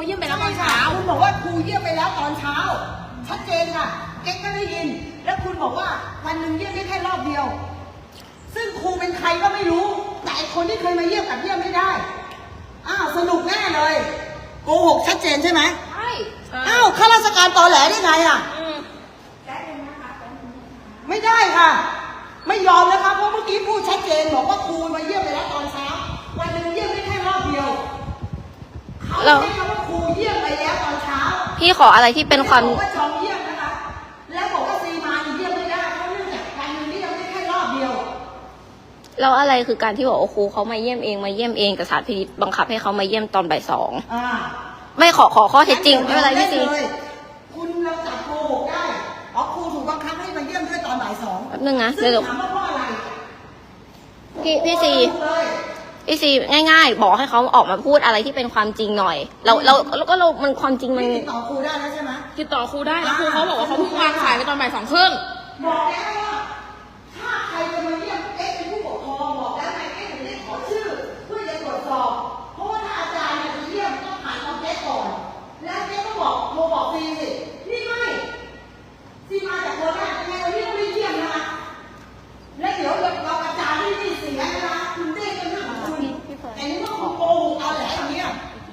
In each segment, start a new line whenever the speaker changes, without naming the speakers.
เยี่ยมไปแล้วตอนเช้า
คุณบอกว่าครูเยี่ยมไปแล้วตอนเช้าชัดเจนค่ะเก๊กก็ได้ยินแล้วคุณบอกว่าวันหนึ่งเยี่ยมได้แค่รอบเดียวซึ่งครูเป็นใครก็ไม่รู้แต่คนที่เคยมาเยี่ยมกับเยี่ยมไม่ได้อ้าวสนุกแน่เลยโกหกชัดเจนใช่ไหม
ใช่
อ้าวข้าราชการตอแหลได้ไงอ่ะไม่ได้ค่ะไม่ยอมนะคะเพราะเมื่อกี้พูดชัดเจนบอกว่าครูมาเยี่ยมไปแล้วตอนเช้าวันหนึ่งเยี่ยมได้แค่รอบเดียวเขาใช้คำว่าครูเยี่ยมไปแล้วตอนเช้า
พี่ขออะไรที่เป็นความ
บอกว่าชองเยี่ยมนะคะแล้วบอกว่าซีมาเยี่ยมไม่ได้เพราะเนื่องจากวันหนึ่งที่ยังได้แค่รอบเดียว
แล้วอะไรคือการที่บอกว่าครูเขามาเยี่ยมเองแต่สถานพินิจบังคับให้เขามาเยี่ยมตอนบ่ายสองไม่ขอข้อเท็จจริงไม่เป็นไรพี่ซี
คุณเราจับโกหกได้อ๋อครูถูกบังคับให้มาเยี่ยมด้วยตอนบ่ายสอง
แป๊บนึงนะ
เดี๋ยวถามว่าเพราะอะไร
พี่ซีง่ายๆบอกให้เขาออกมาพูดอะไรที่เป็นความจริงหน่อยเรามันความจริงมัน
ติดต่อครูได้แล้วใช่ไหม
ติดต่อครูได้แล้วครูเขาบอกว่าเขาเพิ่งวางสายไปตอนบ่าย 2:30
บอกแล้วว่าถ้าใครจะมาเยี่ยมเอ๊ะเป็นผู้ปกครองบอกแล้วไงเอ๊ะถึงได้ขอชื่อเพื่อจะตรวจสอบเพราะว่าถ้าอาจารย์จะเยี่ยมต้องผ่านน้องเอ๊ะก่อนแล้วเอ๊ะก็บอกโทรบอกซีสินี่ไม่ซีมาจากโคราชยังไงเราเรียกไม่เยี่ยมนะคะและเดี๋ยวเราอาจารย์ที่เสียนะคะคุณเด้ก็เรื่องของคุณแต่นี่ว่าคุณโกหกเอาแหละอย่างเงี้ย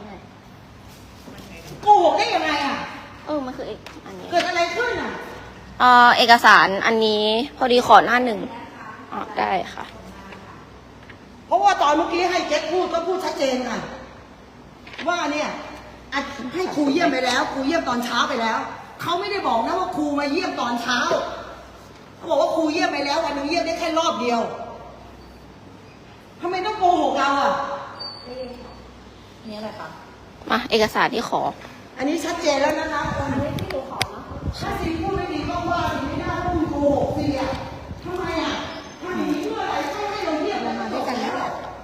โกหกได้ยังไงอ่ะ
มันคืออันนี้
เกิดอะไรขึ้นอ่ะ
เอกสารอันนี้พอดีขอหน้าหนึ่งได้ค่ะ
เพราะว่าตอนเมื่อกี้ให้เจ๊พูดก็พูดชัดเจนค่ะว่าเนี่ยให้ครูเยี่ยมไปแล้วครูเยี่ยมตอนเช้าไปแล้วเขาไม่ได้บอกนะว่าครูมาเยี่ยมตอนเช้าเขาบอกว่าครูเยี่ยมไปแล้ววันนึงเยี่ยมได้แค่รอบเดียวทำไมต้องโกหกเราอ่ะ
นี่อะไรคะ
มาเอกสารที่ขอ
อันนี้ชัดเจนแล้วนะคะคนที่หนูขอนะถ้าซีพูดไม่ดีก็ว่าซีไม่น่าพูดโกหกซีอ่ะทำไมอ่ะทำอย่างนี้เพื่ออะไรให้เราเยี่ยมอะไรมาด้วยกันแล้ว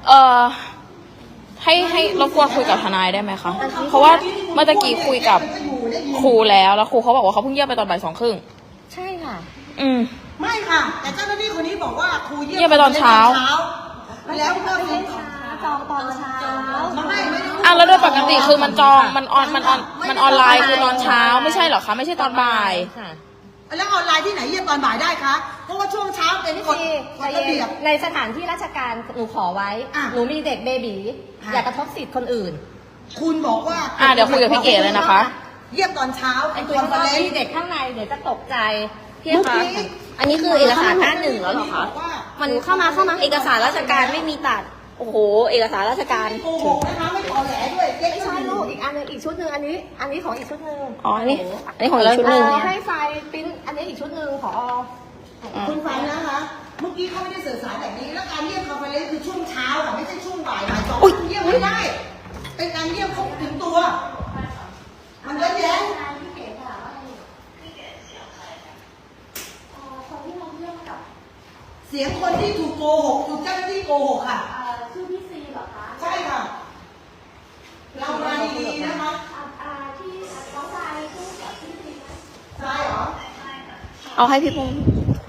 ให้รบกวนคุยกับทนายได้ไหมคะเพราะว่าเมื่อกี้คุยกับครูแล้วครูเขาบอกว่าเขาเพิ่งเยี่ยมไปตอนบ่าย 2:30
ใช่ค่ะ
ไม่ค่ะแต่เจ้าหน้าที่คนนี้บอกว่าครูเยี่ย
มไปตอนเช้า
แล้วก็
จองตอนเช้า
ไม่
แล้วโดยปกติคือมันจองมันออนไลน์คือตอนเช้าไม่ใช่หรอคะไม่ใช่ตอนบ่าย
ค่ะ
แล้วออนไลน์ที่ไหนเยี่ยมตอนบ่ายได้คะเพราะว่าช่วงเช้าเป็นกฎระเบียบ
ในสถานที่ราชการหนูขอไว้หนูมีเด็กเบบีอย่ากระทบสิทธิ์คนอื่น
คุณบอกว่า
เดี๋ยวคุยกับพี่เก๋เลยนะคะ
เยี่ยมตอนเช้า
เป็นคอนเฟอเรนซ์มีเด็กข้างในเดี๋ยวจะตกใจพี่คะอันนี้คือเอกสารหน้าหนึ่งแล้วเหรอคะมันเข้ามาเอกสารราชการไม่มีตัดโอ้โหเอกสารราชการ
โกหกนะคะไม่ขอแหลด้วย
ไม่ใช่ลูกอีกอันนึงอีกชุดหนึ่งอันนี้ของอีกชุดหนึ่ง
อันนี้
ของอีกชุดหนึ่งให้ไฟปิ้นอันนี้อีกชุดหนึ่งขอ
คุณฟังนะคะเมื่อกี้เขาไม่ได้สื่อสารแบบนี้แล้วการเยี่ยมคอนเฟอเรนซ์คือช่วงเช้าค่ะไม่ใช่ช่วงบ่ายสองเยี่ยมไม่ได้เป็นการเยี่ยมครบถึงตัวมันเยอะแยะเสียงคนที่ถูกโกหกถูกเจ้าหน้าที่โกหกค่ะ
ชื่อพี่ซีเหรอคะ
ใช่ค่ะเรามาดีๆนะคะ
ที่น้องชายพูดกับพี่ซีนะ
ใช่เหรอ
เอาให้พี่พงษ์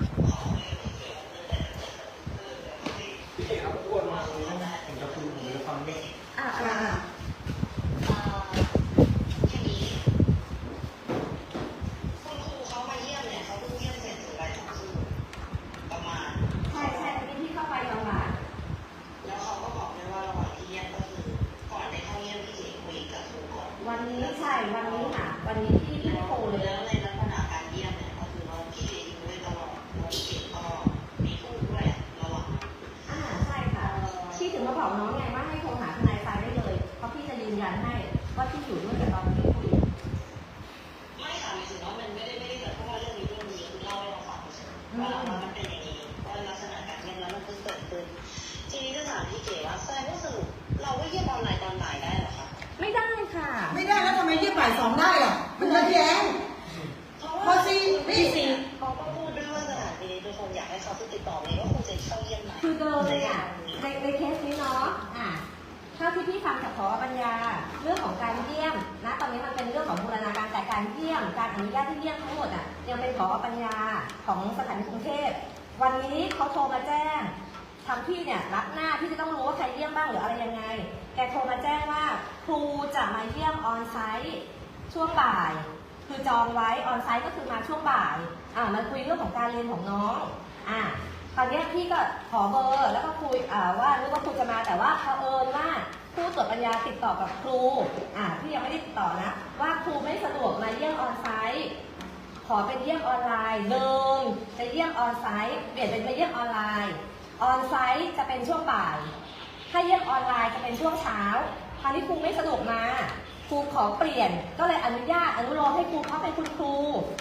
วันนี้ใช่วันนี้ค่ะวันนี้ที่โทรเลย
แล้วในลักษณะการเยี่ยมเนี่ยก็คือเราที่อยู่ด้วยตลอดเราเก็บตลอดมีพูดด้วยระหว่าง
ใช่ค่ะพี่ถึงมาบอกน้องไงว่าให้โทรหาทนายฟ้าได้เลยเพราะพี่จะยืนยันให้ว่าที่อยู่ด้วยกับตอนที่คุย
ไม่ค่ะหมายถึงว่ามันไม่ได้เกิดเพราะว่าเรื่องนี้คือเล่าให้เราฟังเฉยๆว่ามันเป็นอย่างนี้ว่าลักษณะการเยี่ยมแล้วมันเพิ่งเกิดขึ้นทีนี้ก็ถามพี่เก๋ว่าแสดงว่าสรุปเราก็เยี่ยมออนไลน์ตอนบ่ายได้เหรอคะ
ไม่ได้ค่ะ
ไม่ได้แล้วทำไมเยี่ยมบ่ายสองได้อ่ะมันย้อนแย้งพอซี
พี่ซีเขาก็พูดด้วยว่าสถานที่ทุกคนอยากให้เขาติดต่อเลยว่าครูจะเข้าเยี่ยมไหม
คือเดิมเลยอ่ะในเคสนี้เนาะถ้าที่พี่ฟังจากผอ.ปัญญาเรื่องของการเยี่ยมนะตอนนี้มันเป็นเรื่องของบูรณาการแต่การเยี่ยมการอนุญาตที่เยี่ยมทั้งหมดอ่ะยังเป็นผอ.ปัญญาของสถานีกรุงเทพวันนี้เขาโทรมาแจ้งทางพี่เนี่ยรับหน้าที่จะต้องรู้ว่าใครเยี่ยมบ้างหรืออะไรยังไงโทรมาแจ้งว่าครูจะมาเยี่ยมออนไซต์ช่วงบ่าย คือจองไว้ออนไซต์ก็คือมาช่วงบ่ายมาคุยเรื่องของการเรียนของน้องตอนนี้พี่ก็ขอเบอร์แล้วก็คุยว่านึกว่าครูจะมาแต่ว่าเผอิญว่าผู้ตรวจปัญญาติดต่อกับครูพี่ยังไม่ได้ติดต่อนะว่าครูไม่สะดวกมาเยี่ยมออนไซต์ขอเป็นเยี่ยมออนไลน์เดิมจะเยี่ยมออนไซต์เปลี่ยนเป็นไปเยี่ยมออนไลน์ออนไซต์จะเป็นช่วงบ่ายถ้าเยี่ยมออนไลน์จะเป็นช่วงเช้าคราวนี้ครูไม่สะดวกมาครูขอเปลี่ยนก็เลยอนุโลมให้ครูเขาเป็นคุณครู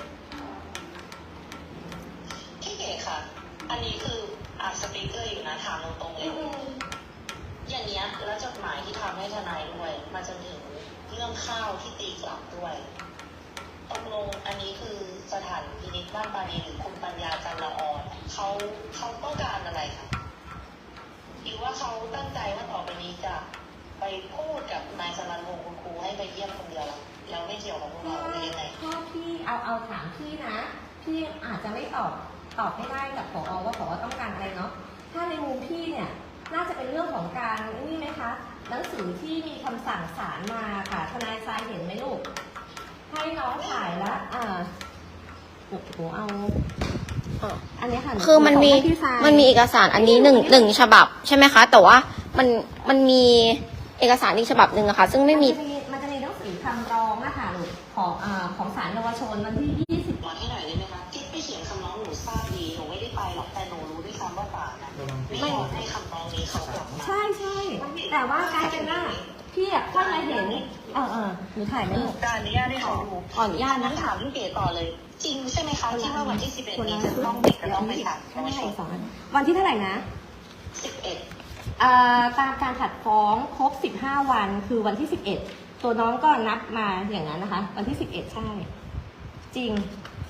พี่เก๋ค่ะ อันนี้คือสปีกเกอร์อยู่นะถามตรงๆเลยอย่างเนี้ยแล้วจดหมายที่ทำให้ทนายด้วยมาจนถึงเรื่องข้าวที่ตีกลับด้วยตกลงอันนี้คือสถานพินิจบ้านปานีหรือคุณปัญญาจันละออนเขาต้องการอะไรคะหรือว่าเขาตั้งใจว่าต่อไปนี้จะไปพูดกับนายสรัญวงศ์คุณครูให้ไปเยี่ยมคนเดียวแล้วไม่เกี่ยวกับพวกเราหรือยังไง
ถ้าพี่เอาถามพี่นะพี่อาจจะไม่ตอบไม่ได้กับผอว่าผอต้องการอะไรเนาะถ้าในมุมพี่เนี่ยน่าจะเป็นเรื่องของการนี่ไหมคะหนังสือที่มีคำสั่งศาลมาค่ะทนายทรายเห็นไหมลูกให้น้องถ่ายแล้วหนูเอาอันนี้ค่ะ
คือมันมีเอกสารอันนี้หนึ่งฉบับใช่ไหมคะ แต่ว่ามันมีเอกสารอีกฉบับหนึ่งอะค่ะซึ่งไม่มี
มันจะมีหนังสือคำร้องนะคะลูกของศาลเยาวชนวันที่20
มาให้หน่อยได้ไหมคะที่ไปเขียนคำร้องหนูทราบดีหนูไม่ได้ไปหรอกแต่หนูรู้ด้วยซ้ำว่าศาลนะไม่ยอมให้คำร้องนี้เขากลับมา
ใช่แต่ว่ากลายเป็นว่าพี่อะค่อยมาเห็นหนูถ่ายไหมลูก
การอนุญาตให้เขาดู
ขออนุญาตนะ
ถามพี่เก๋ต่อเลย จริงใช่ไหมคะที่ว่าวันที่11นี้จะต้องเด็กจะต้องไปถามเยาวชน
วันที่เท่าไหร่นะ
11
ตามการผัดฟ้องครบ15 วันคือวันที่11ตัวน้องก็นับมาอย่างนั้นนะคะวันที่11ใช่จริง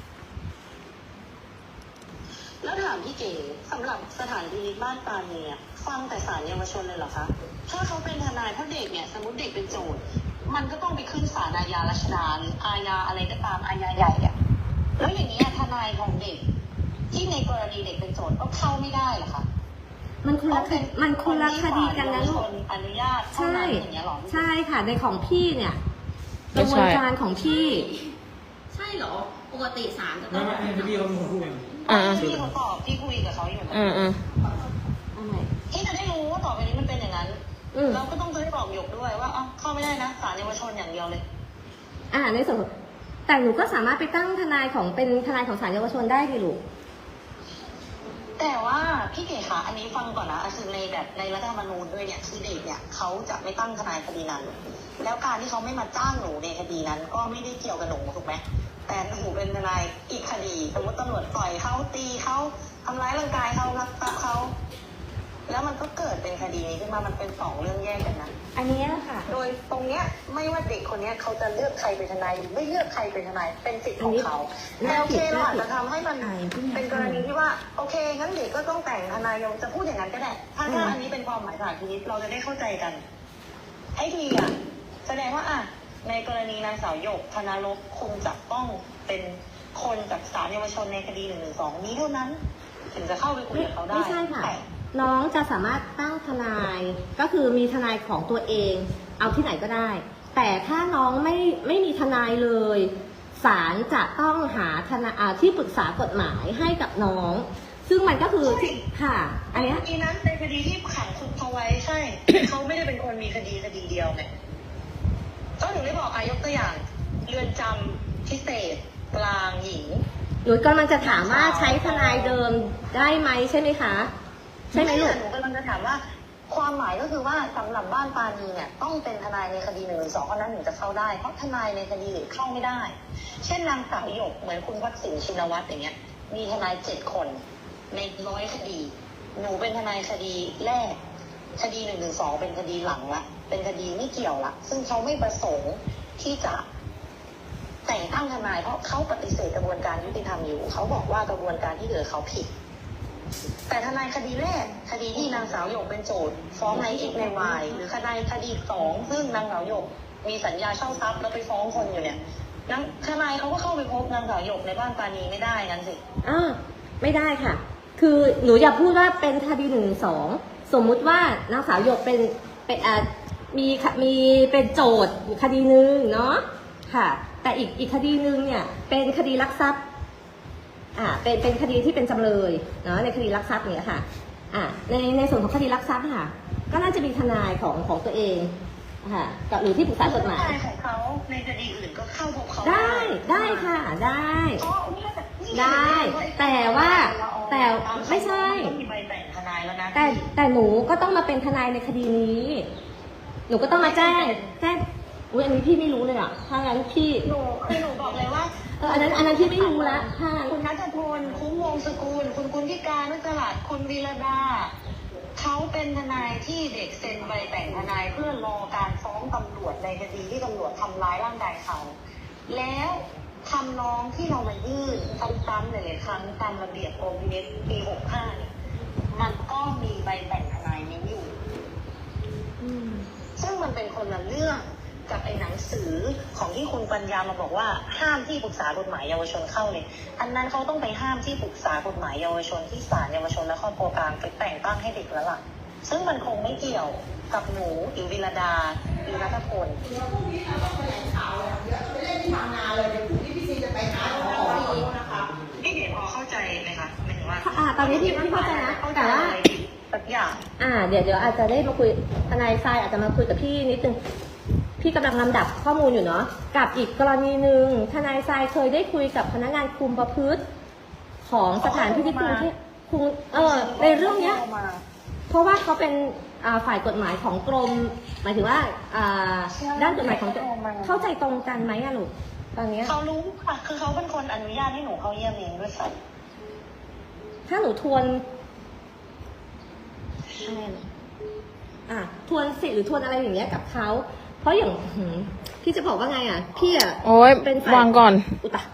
แล้วถามพี่เก๋สำหรับสถานพินิจบ้านปานีเนี่ยฟังแต่ศาลเยาวชนเลยเหรอคะถ้าเขาเป็นทนายเพราะเด็กเนี่ยสมมติเด็กเป็นโจทย์มันก็ต้องไปขึ้นศาลอาญารัชดาหรืออาญาอะไรก็ตามอาญาใหญ่อะแล้วอย่างนี้ทนายของเด็กที่ในกรณีเด็กเป็นโจทย์ก็เข้าไม่ได้เหรอคะ
มันคนละคดีกันนะลูก
อนุญาตเท่านั้นอย่างเงี้ยหรอ
ใช่ค่ะในของพี่เนี่ยกระบวนการของพี่
ใช่เหรอปกติศาลจะต้
ไม่
อง
ไม่พี่เขาเป็นคนพูดเอง
พี่เขาตอบพี่คุยกับเขาอยู่ ที่จะได้รู้ว่าต่อไปนี้มันเป็นอย่างนั้นเราก็ต้องจะได้บอกหยกด้วยว่าเข้าไม่ได้นะศาลเยาวชนอย่างเดียวเลย
ในส่วนแต่หนูก็สามารถไปตั้งทนายของเป็นทนายของศาลเยาวชนได้ดิลูก
แต่ว่าพี่เก๋คะอันนี้ฟังก่อนนะคือในรัฐธรรมนูญด้วยเนี่ยคือเด็กเนี่ยเขาจะไม่ตั้งทนายคดีนั้น แล้วการที่เขาไม่มาจ้างหนูในคดีนั้น ก็ไม่ได้เกี่ยวกับหนูถูกไหมแต่หนูเป็นทนายอีกคดีสมมติตำรวจต่อยเขาตีเขาทำร้ายร่างกายเขารักทรัพย์เขาแล้วมันก็เกิดเป็นคดีนี้ขึ้นมามันเป็น2 เรื่องแยกกันนะ
อันนี้ค่ะ
โดยตรงเนี้ยไม่ว่าเด็กคนเนี้ยเขาจะเลือกใครเป็นทนายหรือไม่เลือกใครเป็นทนายเป็นสิทธิ์ของเขาแต่โอเคเราอาจจะทำให้มันเป็นกรณีที่ว่าโอเคงั้นเด็กก็ต้องแต่งทนายยงจะพูดอย่างนั้นก็ได้ถ้าอันนี้เป็นความหมายสารพินิจเราจะได้เข้าใจกันให้ทีแสดงว่าในกรณีนางสาวหยกธนารบคงจะต้องเป็นคนจากศาลเยาวชนในคดี112นี้เท่านั้นถึงจะเข้าไปคุยกับเขาได้
ไม่ใช่ค่ะ น้องจะสามารถตั้งทนายก็คือมีทนายของตัวเองเอาที่ไหนก็ได้ แต่ถ้าน้องไม่มีทนายเลยศาลจะต้องหาทนายที่ปรึกษากฎหมายให้กับน้อง ซึ่งมันก็คือค่ะ อันนี้
คดีนั้นเป็นคดีที่ขังคุกเขาไว้ใช่ เขาไม่ได้เป็นคนมีคดีเดียวไงก็ถึงได้บอกยกตัวอย่างเรือนจำพิเศษกลางหญิง
หนูกำลังจะถามว่าใช้ทนายเดิมได้ไหมใช่ไหมคะใช่ไหมลูก
หนูกำลังจะถามว่าความหมายก็คือว่าสำหรับบ้านปานีเนี่ยต้องเป็นทนายในคดี112เท่านั้นถึงจะเข้าได้เพราะทนายในคดีอื่นเข้าไม่ได้ เช่นนางสาวหยกเหมือนคุณวัชสินชินวัตรอย่างเงี้ยมีทนาย7 คนใน100 คดีหนูเป็นทนายคดีแรกคดี112เป็นคดีหลังละเป็นคดีไม่เกี่ยวละซึ่งเขาไม่ประสงค์ที่จะแต่งตั้งทนายเพราะเขาปฏิเสธกระบวนการยุติธรรมอยู่เขาบอกว่ากระบวนการที่เหลือเขาผิดแต่ทนายคดีแรกคดีที่นางสาวหยกเป็นโจทย์ฟ้องใน X ใน Y หรือคดี2ซึ่งนางสาวหยกมีสัญญาเช่าทรัพย์แล้วไปฟ้องคนอยู่เนี่ยทนายเขาก็เข้าไปพบนางสาวหยกในบ้านปานีไม่ได้งั้นสิ
ไม่ได้ค่ะ คือหนูอย่าพูดว่าเป็นคดี112สมมุติว่านางสาวหยกเป็นมีเป็นโจทย์คดีหนึ่งเนาะค่ะ แต่อีกคดีหนึ่งเนี่ยเป็นคดีลักทรัพย์เป็นคดีที่เป็นจำเลยเนาะในคดีลักทรัพย์เนี่ยค่ะในส่วนของคดีลักทรัพย์ค่ะก็น่าจะมีทนายของตัวเองค่ะกับหรือที่ปรึกษากฎหมาย
ทนายของเขาในคดีอื่นก็เข้าพบเขา
ได้ค่ะได้
อ๋อนี่ก็จะนี่
ได้ แต่ไม่ใช่
ต้องมีใบแต่งทนายแล้วนะ
แต่หนูก็ต้องมาเป็นทนายในคดีนี้ หนูก็ต้องมาแจ้งอุ้ยอันนี้พี่ไม่รู้เลยอ่ะถ้างั้นพี่
หนูบอกเลยว่า
อันนั้นพี่ไม่รู้ละถ้างั้น
คุณนัทพลคุ้มวงศ์สกุลคุณกุลธิการนุสลัดคุณวีรดาเขาเป็นทนายที่เด็กเซ็นใบแต่งทนายเพื่อรอการฟ้องตำรวจในคดีที่ตำรวจทำร้ายร่างกายเขา แล้วคำร้องที่เรามายื่นซ้ำๆหลายๆครั้งตามระเบียบกรมพินิจปี 65 เนี่ยมันก็มีใบแต่งทนายนี้อยู่ ซึ่งมันเป็นคนละเรื่องกับไอ้หนังสือของที่คุณปัญญามาบอกว่าห้ามที่ปรึกษากฎหมายเยาวชนเข้าเลยอันนั้นเขาต้องไปห้ามที่ปรึกษากฎหมายเยาวชนที่ศาลเยาวชนและครอบครัวกลางไปแต่งตั้งให้เด็กแล้วล่ะซึ่งมันคงไม่เกี่ยวกับหนูหรือวิรดาหรือนัทพล
เดี๋ยวพรุ่งนี้เราต้องแถลงข่าวเลยเดี๋ยวไปเล่นที่บางนาเลยเดี๋ยวพรุ่งนี้พี่ซีจะไปหาหมอนะคะ
พี่เก๋พอเข้าใจไหมคะหมายถึงว่า
ตอนนี้พี่เข้าใจนะแต่ว่า
สักอย่าง
เดี๋ยวอาจจะได้มาคุยทนายทรายอาจจะมาคุยกับพี่นิดนึงพี่กำลังลำดับข้อมูลอยู่เนาะกับอีกกรณีหนึ่งทนายทรายเคยได้คุยกับพนักงานคุมประพฤติของสถานพินิจกรุงเทพในเรื่องเนี้ย เพราะว่าเขาเป็นฝ่ายกฎหมายของกรมหมายถึงว่าด้านกฎหมายของเข้าใจตรงกันไหมอะลูกตอนเนี้ย
เขารู้ค่ะคือเขาเป็นคนอนุญาตให้หนูเข้าเยี่ยมเองด้วยซ้
ถ้าหนูทวนทวนสิทธิ์หรือทวนอะไรอย่างเงี้ยกับเขาเพราะอย่างพี่จะบอกว่าไงพี่
โอ้ย
เป็นฝ่ายว
างก่อน
อุตะ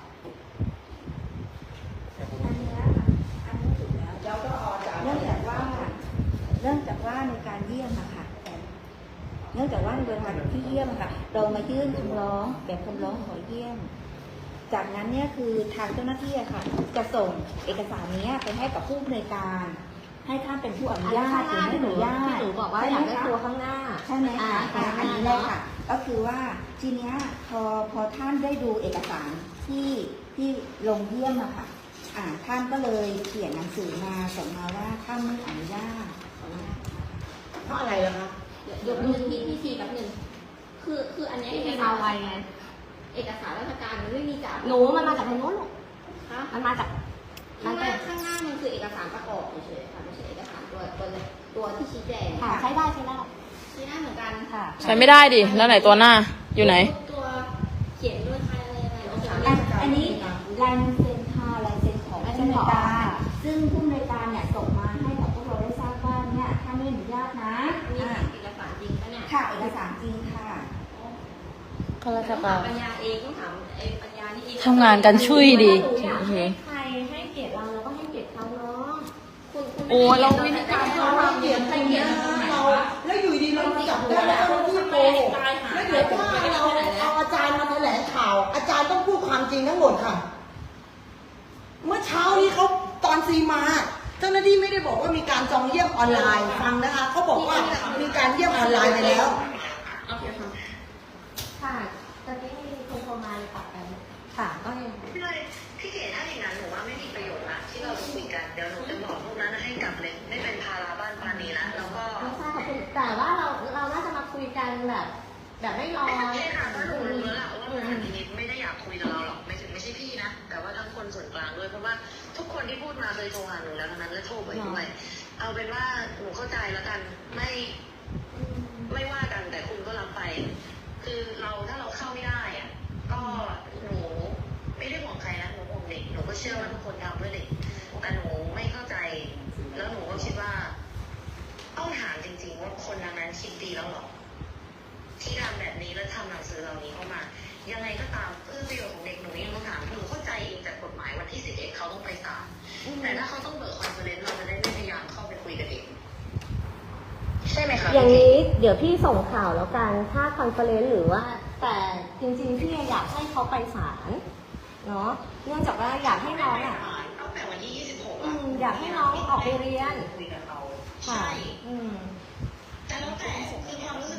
เนื่องจากว่าในการเยี่ยมอะค่ะเนื่องจากว่าในเวลาที่เยี่ยมอะค่ะเรามายื่นคำร้องแบบคำร้องขอเยี่ยม จากนั้นเนี่ยคือทางเจ้าหน้าที่อะค่ะ จะส่งเอกสารนี้ไปให้กับผู้อำนวยการ ให้ท่านเป็นผู้อนุญาตหรือไม่อนุญาต
ที่หนูบอกว่าอยากได้ตัวข้างหน้า
ใช่ไหมคะอันนี้เลยค่ะ ก็คือว่าทีเนี้ยพอท่านได้ดูเอกสารที่ลงเยี่ยมอะค่ะท่านก็เลยเขียนหนังสือมาส่งมาว่าท่านไม่อนุญาต
เพราะอะไรล่ะคะ
ยกมือที่ทีแบบหนึ่งคืออันนี้เอกสารไวไงเอกสารราชการมันไม่มีจาก
หนูมันมาจากทางโน้นลูก
ฮะ
มันมาจาก
ข้างหน้ามันคือเอกสารประกอบเฉยๆค่ะไม่ใช่เอกสารตัวที่ชี้แจง
ค่ะใช้ได้
ชี้หน้าเหมือนกันค่ะ
ใช้ไม่ได้ดิ แล้วไหนตัวหน้า อยู่ไหน
ตัวเขียนด้วยใครอะไรยังไงเราจะ
อันนี้ลายมือเซ็นค่ะลายเซ็นของผู้อำนวยการซึ่งผู้อำนวยการเนี่ยส่งมาให้กับพวกเราได้ทราบว่าเนี่ยท่านไม่อนุญาตนะ
มีเอกสารจริงปะเนี่ย
ค่ะเอกสารจริงค่ะ
ข้าราช
ต้อง
กา
ถาร มปัญญาเองต้องถามไอ้ปัญญานี่เอง
ทำงานกันช่วยดี
หนูอยากให้ใครให้เกียรติเราก็ให้เกียรติเขาเนาะ
คุณ
โอ้เราวิธีการ
เราเกลียดใครเนี่ยเราแล้วอยู่ดีเราจับได้แล้วเจ้าหน้าที่โกงแล้วเดี๋ยวถ้าเราเอาอาจารย์มาแถลงข่าว อาจารย์ต้องพูดความจริงทั้งหมดค่ะ เมื่อเช้านี้เขาตอนซีมา เจ้าหน้าที่ไม่ได้บอกว่ามีการจองเยี่ยมออนไลน์ฟังนะคะเขาบอกว่ามีการเยี่ยมออนไลน์ไปแล้ว
โอเคค่ะ
ค่ะตอนนี้มีคนโทรมาเลยปรับกันค่ะก็ยัง
ำพี่เก๋ถ้าอย่างนั้นหนูว่าไม่มีประโยชน์ละที่เราคุยกันเดี๋ยวหนูจะบอกพวกนั้นให้กลับเลยไม่เป็นภาระบ้านปานีละแล้วก็
ไม่ทราบขอบคุณแต่ว่าเราน่าจะมาคุยกันแบบไม่รอ
ใช่ค่ะเพราะหนูรู้แล้วล่ะว่าสถานพินิจไม่ได้อยากคุยกับเราหรอกไม่ใช่พี่นะแต่ว่าทั้งคนส่วนกลางด้วยเพราะว่าทุกคนที่พูดมาเคยโทรหาหนูแล้วทั้งนั้นและโทรไปด้วยเอาเป็นว่าหนูเข้าใจแล้วกันไม่ว่ากันแต่คุณก็รับไป คือถ้าเราเข้าไม่ได้อะก็หนูไม่ได้ห่วงใครนะหนูห่วงเด็กหนูก็เชื่อว่าทุกคนทำเพื่อเด็กแต่หนูไม่เข้าใจแล้วหนูก็คิดว่าต้องถามจริงๆว่าคนนั้นคิดดีแล้วหรอที่ทำแบบนี้แล้วทำหนังสือเหล่านี้เข้ามายังไงก็ตามเพื่อประโยชน์ของเด็กหนูยังต้องถามหนูเข้าใจเองจากกฎหมายวันที่11เขาต้องไปศาลแต่ถ้าเขาต้องเบิกคอนเฟอเรนซ์เราจะได้ไม่พยายามเข้าไปคุยกับเด็กใช่ไหมคะ
อย่างนี้เดี๋ยวพี่ส่งข่าวแล้วกันถ้าคอนเฟอเรนซ์หรือว่าแต่จริงๆพี่อยากให้เขาไปศาลเนาะเนื่องจากว่าอยากให้น้อง
ตั้งแต่วันที่26
อยากให้น้องออกไปเรียน
คุยกับเขา
ค่ะ
ใช่แต่แล้วแต่คือความรู้สึกหนูนะ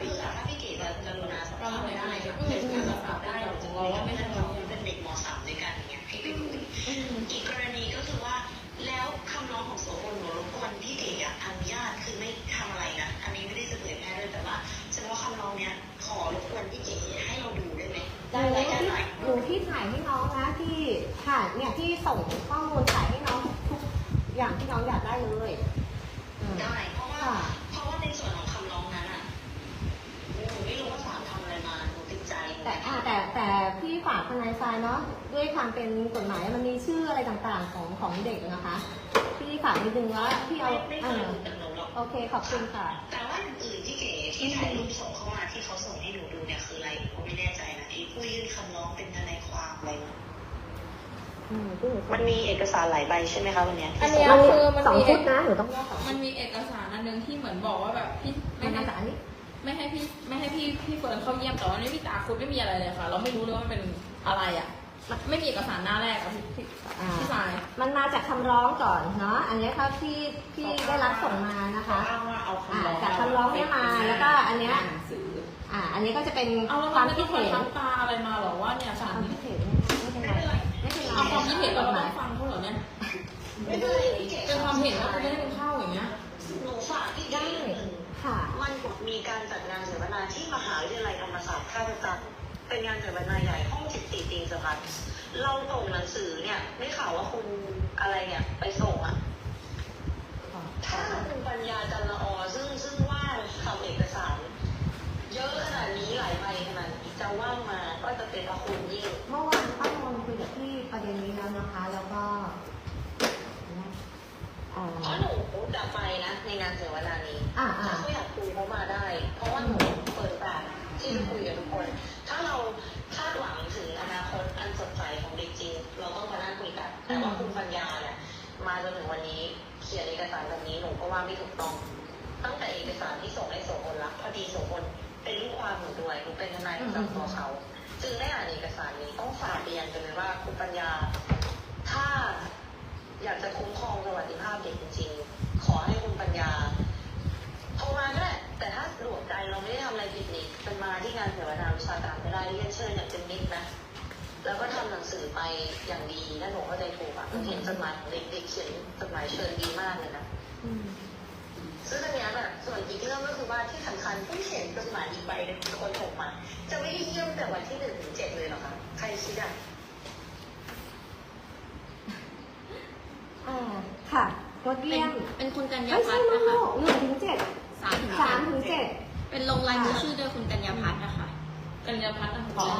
คือถ้าพี่เก๋จะกรุณาสอบ
เรา
ถาม
ไม่
ได้
ได้
ก็
ก็
คื
คือ
อ
การ
ส
รั
อก บ
ษา
ถาม
ได้
ได้
ของ
ถึง
เรา
เรา
ว่า
ว่า
ไม่
ไม่
ใช่
ใช่
เรา
เราเป็นเด็กม .3 ด้วยกันอย่างเงี้ยให้ไปคุยอีกกรณีก็คือว่าแล้วคำร้องของโสพลหนูรบกวนพี่เก๋อนุญาตคือไม่ทำอะไรนะอันนี้ไม่ได้จะเผยแพร่ด้วยแต่ว่าเฉพาะคำร้องเนี้ยขอรบกวนพี่เก๋ให้เราดูได้ไหมได้ไหมได้ไหม
หนูที่ถ่ายให้น้องนะที่ถ่ายเนี่ยที่ส่งข้อมูลถ่ายให้น้องทุกอย่างที่น้องอยากได้เลยอืม
ได้เพราะว่าในส่วนของคำร้องนั้นอ่ะหนูไม่รู้ว่าศาลทำอะไรมาหนูติดใจ
แต่พี่ฝากทนายทรายเนาะด้วยความเป็นกฎหมายมันมีชื่ออะไรต่างๆของเด็กนะคะพี่ฝากนิดนึงว่าพี่เอา
ไม่เคยรู้จากหนูหรอก
โอเคขอบคุณค่ะ
แต่ว่าอื่นๆที่เก๋ที่ถ่ายรูปส่งเข้ามาที่เขาส่งให้หนูดูเนี่ยคืออะไรหนูไม่แน่ใจนะไอ้ผู้ยื่นคำร้องเป็นทนายความอะไรนะมันมีเอกสารหลายใบใช่ไหมคะวันเนี้ย
อันเนี้ย
มันมี
คือมัน
สอง
มี
ชุดนะหนูต้องแยกสองชุ
มัน
ด
มีเอกสารอันนึงที่เหมือนบอกว่าแบบพี่
มั
ไม่
น
ให้
มาจากอันนี้
พี่เฟิร์นเข้าเยี่ยมแต่ว่านี่พี่ตาคุณไม่มีอะไรเลยค่ะ เราไม่รู้เลยว่ามันเป็นอะไรอ่ะมันไม่มีเอกสารหน้าแรกอะพี่สาย
มันมาจากคำร้องก่อนเนาะอันนี้ครับที่ได้รับส่งมานะคะ
อ้างว่าเอาคำร้อง
จากคำร้องเนี่ยมาแล้วก็อันเนี้ย
หนังสือ
อันนี้ก็จะเป็น
เอาแล้ว
ค
มั
วาน ม
ไม่
คิ
ต้
ด
อง
เห็
มาน ทำตาอะไรมาหรอว่าเนี่ย
ค
สาร
วาม
นี้
คิดเห็นไม่เป็นไรไม่เป็นไร
เอาความคิดเห็นเรา
กฎห
ต้
มา
อย งฟังเขาเหรอเนี่ย
ไม่ได้พี่เก๋
เป็นความเห็นว่าคุณไม่ได้เป็นข้าวอย่างเงี้ย
หนูฝากพี่เก๋นิดนึง
ค่ะ
มันมีการจัดงานเสวนาที่มหาวิทยาลัยธรรมศาสตร์ท่าพระจันทร์เป็นงานเสวนาใหญ่ห้อง14ปีสพัฒน์เราส่งหนังสือเนี่ยไม่ข่าวว่าคุณอะไรเนี่ยไปส่งอ่ะ ถ้าคุณปัญญาจันละอซึ่งว่าทำเอกสาร เยอะขนาดนี้หลายใบขนาดนี้จะว่างมาก็จะเป็นพระคุณยิ่ง
เมื่อวานป้ามนคุยกับพี่ประเด็นนี้แล้วนะคะ แล้วก็
เพราะหนูจะไปนะในงานเสวนานี้
อ่า
ถ้าเขาอยากคุยเขามาได้ เพราะว่าหนูเปิดโอกาสที่จะคุยกับทุกคน ถ้าเราคาดหวังถึงอนาคตอันสดใสของเด็กจริง เราต้องมานั่งคุยกัน แต่ว่าคุณปัญญาเนี่ยมาจนถึงวันนี้เขียนเอกสารแบบนี้หนูก็ว่าไม่ถูกต้อง ตั้งแต่เอกสารที่ส่งให้โสพลรับพอดีโสพลเป็นลูกความหนูด้วยหนูเป็นทนายประจำตัวเขาจึงได้อ่านเอกสารนี้ต้องฝากเรียนกันเลยว่าคุณปัญญา ถ้าอยากจะคุ้มครองสวัสดิภาพเด็กจริงๆขอให้คุณปัญญาโทรมาก็ได้แต่ถ้าหลวมใจเราไม่ได้ทำอะไรผิดนี่เป็นมาที่งานเสวนาวิชาการก็ได้เรียนเชิญอย่างเป็นมิตรนะแล้วก็ทำหนังสือไปอย่างดีถ้าหนูเข้าใจถูกอ่ะเขียนจดหมายของเด็กๆเขียนจดหมายเชิญดีมากเลยนะ ซึ่งอันเนี้ยแบบส่วนอีกเรื่องก็คือว่าที่สำคัญผู้เขียนจดหมายอีกใบหนึ่งเป็นคนส่งมา จะไม่ได้เยี่ยมแต่วันที่1 ถึง 7เลยเหรอคะใครคิดอ่ะ
ค่ะงดเยี่ยม
เป็นคุณกัญญา
ไม่
พั
ใช่
ฒน์
ลู
นะคะ
ก1 ถึง 7
3 ถึง
7
เป็นลงลายมือชื่อโดยคุณกัญญาพัฒน์นะคะ
กัญญาพัฒน์นะคะ
ขอ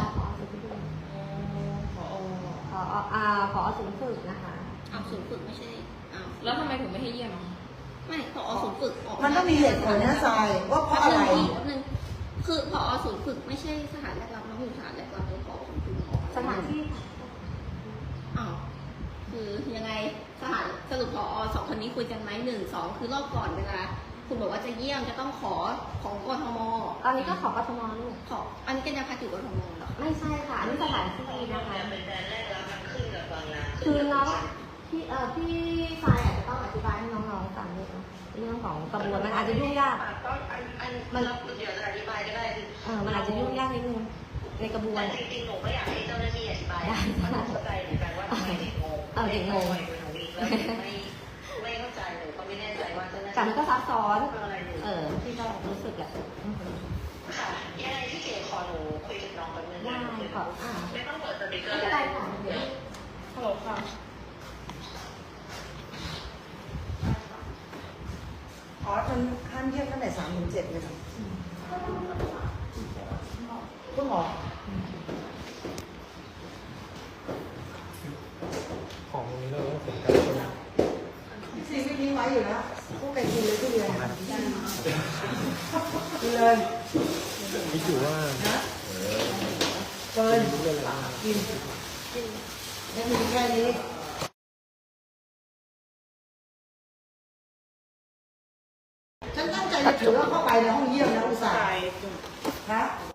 ศูนย์ฝึกนะคะ
เอาศูนย์ฝึกไม่ใช่เอา
แล้วทำไมถึงไม่ให้เยี่ยมอ่ะ
ไม่พอศูนย์ฝึกออก
มันต้องมีเหตุผลนะทรายว่าเพราะอะไร
แป๊บนึงคือพอศูนย์ฝึกไม่ใช่สถานแรกรับน้องอยู่สถานแรกรับเป็นพอศูนย์ฝึกออก
สถานที่
อ้าวคือยังไงสถานสรุปพอสองคนนี้คุยกันไหม1 2คือรอบก่อนเวลาคุณบอกว่าจะเยี่ยมจะต้องขอของกทม
ตอนนี้ก็ขอกทมลูก
ขออันนี้กัญญาพัฒน์อยู่กทมเหรอ
ไม่ใช่ค่ะ อันนี้สถานที่นะคะ
เป็นแดนแรกแล้วมันขึ้นกับบางนา
คือน้องพี่ชายอาจจะต้องอธิบายให้น้องๆฟังด้วยนะเรื่องของกระบวนมันอาจจะยุ่งยาก
ก็มันเดี๋ยวจะอธิบายก็ได้คือ
มันอาจจะยุ่งยากนิดนึงในกระบวน
แต่จริงๆหนูก็อยากให้เจ้าหน้าที่อธิบายเพราะหนูเข้าใจเหมือนกันว่าทำไมเด็กงง
เด็กงง
แล้วไม่เข้าใจหนูก็ไม่แน่ใจว่าเจ้าหน้า
แต่มัน
ที่
ก็ซับซ้อน
อะไรอยู่
พี่ก็รู้สึกแหละ
ค่ะยังไงพี่เก๋ขอหนูคุยกับน้องแป๊บนึง
ได้ขอ
ไม่ต้องเปิดสปีกเกอ
ไม่
ร์
เป็นไรค่ะเดี๋ยว
ฮัลโหลค่ะ
อ๋อมันห้ามเยี่ยมตั้งแต่3 ถึง 7เลยค่ะคุณหมอ
ของตรงนี้เราต้องเสียกันใช่ไหม
ซีไม่ทิ้งไว้อยู่แล้วพวกไก่กินเลยที่เรียนกินเลย
คิดอยู่ว่า
เกินกินไม่มีแค่นี้ฉันตั้งใจจะถือว่าเข้าไปในห้องเยี่ยมนะอุตส่าห์ฮะ